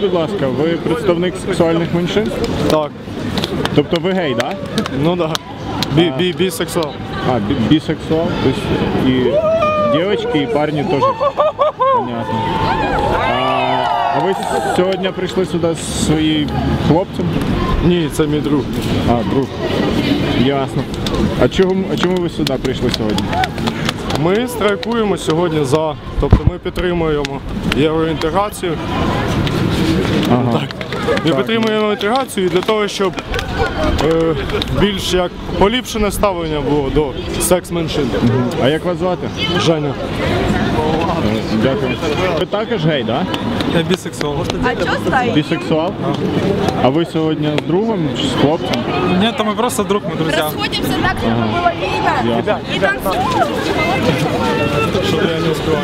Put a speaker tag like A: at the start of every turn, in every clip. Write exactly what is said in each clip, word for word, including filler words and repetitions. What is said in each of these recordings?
A: будь ласка, ви представник сексуальних меншин?
B: Так.
A: Тобто ви гей, так? Да?
B: Ну так. Да. Би, би, бисексуал.
A: А, би, бисексуал? То есть и девочки, и парни тоже? Понятно. А, а ви сьогодні прийшли сюди з своїм хлопцем?
B: Ні, це мій друг.
A: А, друг. Ясно. А чому, а чому ви сюди прийшли сьогодні?
B: Ми страйкуємо сьогодні за, тобто ми підтримуємо євроінтеграцію.
A: Ага.
B: Так. Ми підтримуємо інтеграцію для того, щоб е, більш як поліпшене ставлення було до секс-меншин.
A: А як вас звати?
B: Женя.
A: Дякую. Ви також гей, так?
B: Я бисексуал.
C: А что стоит?
A: Бисексуал? А ви сьогодні з другом чи з хлопцем?
B: Ні, то ми просто друг, ми друзі.
C: Расходимся так, чтобы было видно.
A: Ясно.
C: И танцуем.
B: Щоб я не успівав.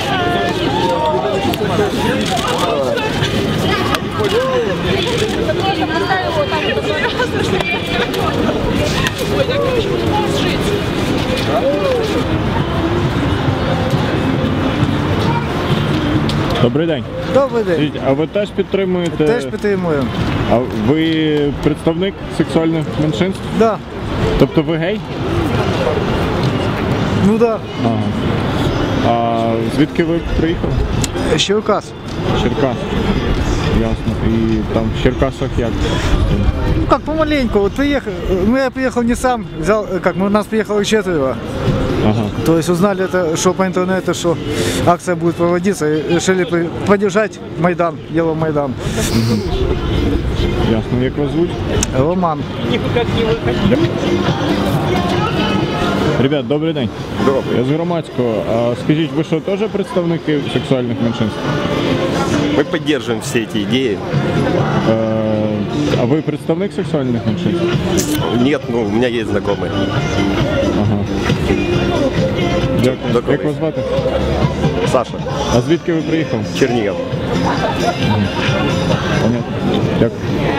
C: Просто поставил его там вот такой раз. Ой, так я чуть не жить.
A: Добрий день.
D: Добрий день.
A: Скажіть, а ви теж підтримуєте?
D: Теж підтримуємо.
A: А ви представник сексуальних меншинств?
D: Да.
A: Тобто ви гей?
D: Ну да.
A: Ага. А звідки ви приїхали?
D: Черкас.
A: Черкас. Ясно. І там в Черкасах як?
D: Ну как помаленьку. Вот приехал, ну я приехал не сам, взял, как мы, нас приехало четверо.
A: Ага.
D: То есть узнали это, что по интернету, что акция будет проводиться, и решили при- поддержать Майдан, Евромайдан.
A: Ясно. Як вас звуть?
D: Роман.
A: Ребят, добрий день. Добрий. Я з громадського. А скажіть, ви що, теж представники сексуальних меншинств?
E: Мы поддерживаем все эти идеи.
A: Е, а ви представник сексуальних меншинств?
E: Нет, ну, у меня есть знакомые.
A: Ага. Дякую.
E: Добрий.
A: Як вас звати?
E: Саша,
A: А звідки ви приїхали?
E: Чернигов.
A: Понятно. Дякую.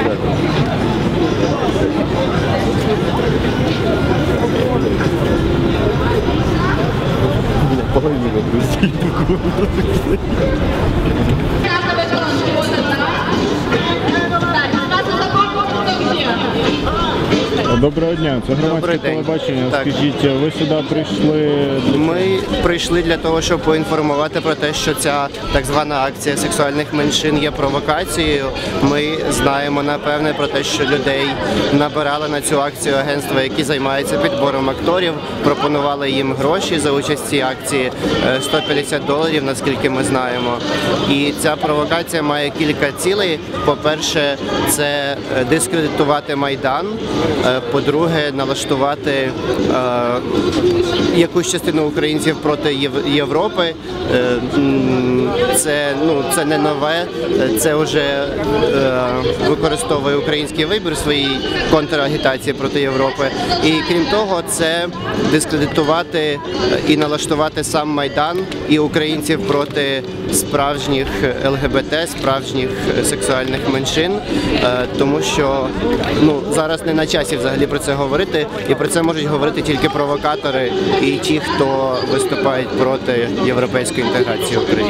A: Доброго дня, це громадське
F: Добрий день.
A: телебачення.
F: Так.
A: Скажіть, ви сюди прийшли?
F: Ми прийшли для того, щоб поінформувати про те, що ця так звана акція сексуальних меншин є провокацією. Ми знаємо напевне про те, що людей набирали на цю акцію агентства, які займаються підбором акторів, пропонували їм гроші за участь в цій акції е, сто п'ятдесят доларів, наскільки ми знаємо. І ця провокація має кілька цілей. По-перше, це е, дискредитувати Майдан. Е, По-друге, налаштувати е, якусь частину українців проти Єв- Європи. Е, м, це, ну, це не нове, це вже е, використовує український вибір в своїй контрагітації проти Європи. І крім того, це дискредитувати е, і налаштувати сам Майдан і українців проти справжніх ЛГБТ, справжніх сексуальних меншин, е, тому що ну, зараз не на часі взагалі про це говорити, і про це можуть говорити тільки провокатори і ті, хто виступають проти європейської інтеграції України.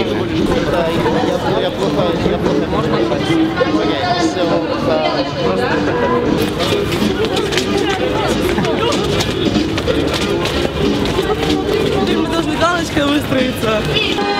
C: Мы должны галочкой выстроиться.